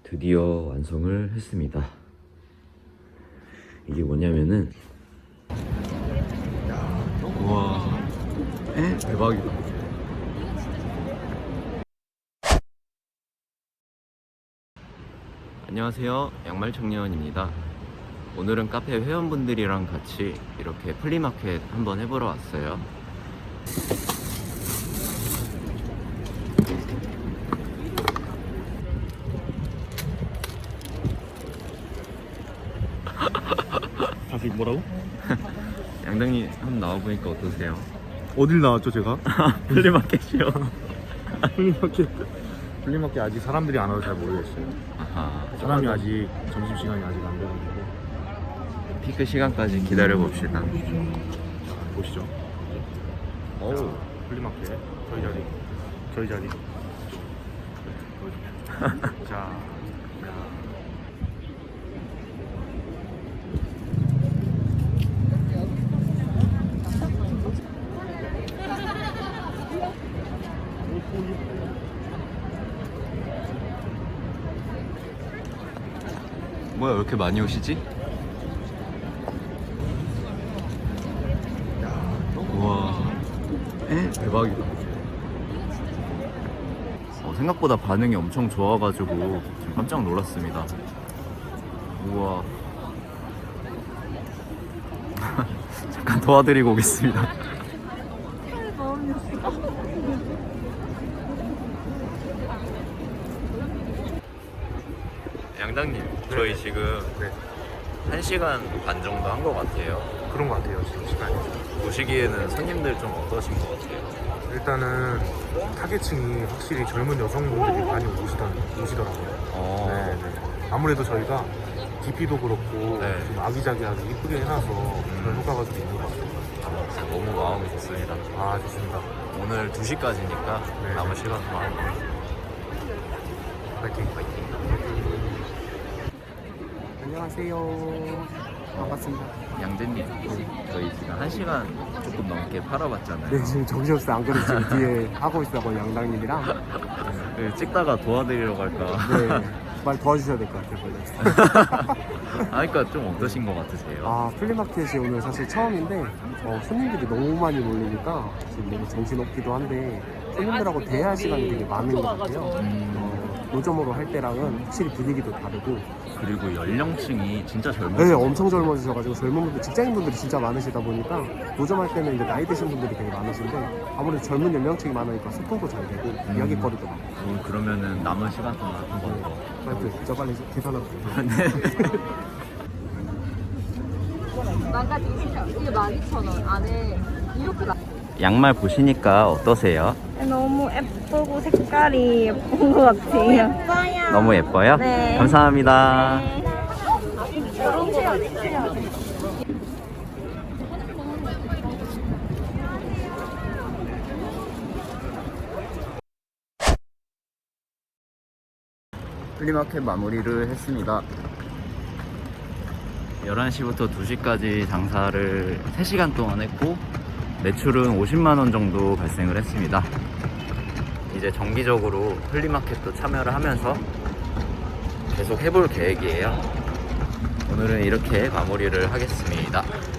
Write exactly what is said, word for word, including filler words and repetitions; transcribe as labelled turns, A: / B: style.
A: 드디어 완성을 했습니다. 이게 뭐냐면은 우와 에? 대박이다. 안녕하세요, 양말청년입니다. 오늘은 카페 회원분들이랑 같이 이렇게 플리마켓 한번 해보러 왔어요.
B: 다시 뭐라고?
A: 양당님 한번 나와보니까 어떠세요?
B: 어딜 나왔죠 제가?
A: 플리마켓이요.
B: 플리마켓 플리마켓 아직 사람들이 안 와서 잘 모르겠어요.
A: 아하,
B: 사람이 아직 점심시간이 아직 안 돼가지고.
A: 피크 시간까지 기다려봅시다.
B: 보시죠. 어우, 플리마켓 저희 자리 저희 자리 자, 야.
A: 뭐야, 왜 이렇게 많이 오시지? 우와 에? 대박이다. 어, 생각보다 반응이 엄청 좋아가지고 지금 깜짝 놀랐습니다. 우와. 잠깐 도와드리고 오겠습니다. 양당님, 저희 지금
B: 네,
A: 한 시간 반 정도 한 것 같아요.
B: 그런 것 같아요 지금 시간이.
A: 보시기에는 손님들 좀 어떠신 것 같아요?
B: 일단은 타겟층이 확실히 젊은 여성분들이 많이 오시던, 오시더라고요.
A: 어...
B: 네, 네. 아무래도 저희가 디피도 그렇고
A: 네.
B: 좀 아기자기하게 이쁘게 해놔서 그런 효과가 좀 있는 것 같아요.
A: 진짜 너무 마음이 좋습니다.
B: 아, 좋습니다.
A: 오늘 두 시까지니까
B: 네.
A: 남은 시간 동안
B: 파이팅.
A: 파이팅.
C: 안녕하세요. 반갑습니다.
A: 양재님, 저희 지금 한 시간 조금 넘게 팔아봤잖아요.
C: 네, 지금 정신없어요. 안 그래도 지금 뒤에 하고 있어요. 양당님이랑.
A: 네, 찍다가 도와드리려고 할까.
C: 네, 말 도와주셔야 될 것 같아요.
A: 아, 그러니까 좀 어떠신 것 같으세요?
C: 아, 플리마켓이 오늘 사실 처음인데 어, 손님들이 너무 많이 몰리니까 지금 너무 정신없기도 한데 손님들하고 대화할 시간이 되게 많은 것 같아요.
A: 음,
C: 어, 노점으로 할 때랑은 확실히 분위기도 다르고
A: 그리고 연령층이 진짜
C: 네,
A: 젊으세요.
C: 엄청 젊어지셔가지고 젊은 분들, 직장인분들이 진짜 많으시다 보니까 노점할 때는 이제 나이 드신 분들이 되게 많으신데 아무래도 젊은 연령층이 많으니까 소통도 잘 되고
A: 음.
C: 이야기거리도 많고.
A: 어, 그러면은 남은 시간 동안 한 번 더.
C: 빨리 진짜 빨리 계산하고.
A: 네.
D: 만가지 이게 만 이천 원 안에 이렇게 나.
A: 양말 보시니까 어떠세요?
D: 너무 예쁘고 색깔이 예쁜 것 같아요. 예뻐요.
A: 너무 예뻐요?
D: 네.
A: 감사합니다.
D: 이런 거 같아요.
A: 플리마켓 마무리를 했습니다. 열한 시부터 두 시까지 장사를 세 시간 동안 했고 매출은 오십만 원 정도 발생을 했습니다. 이제 정기적으로 플리마켓도 참여를 하면서 계속 해볼 계획이에요. 오늘은 이렇게 마무리를 하겠습니다.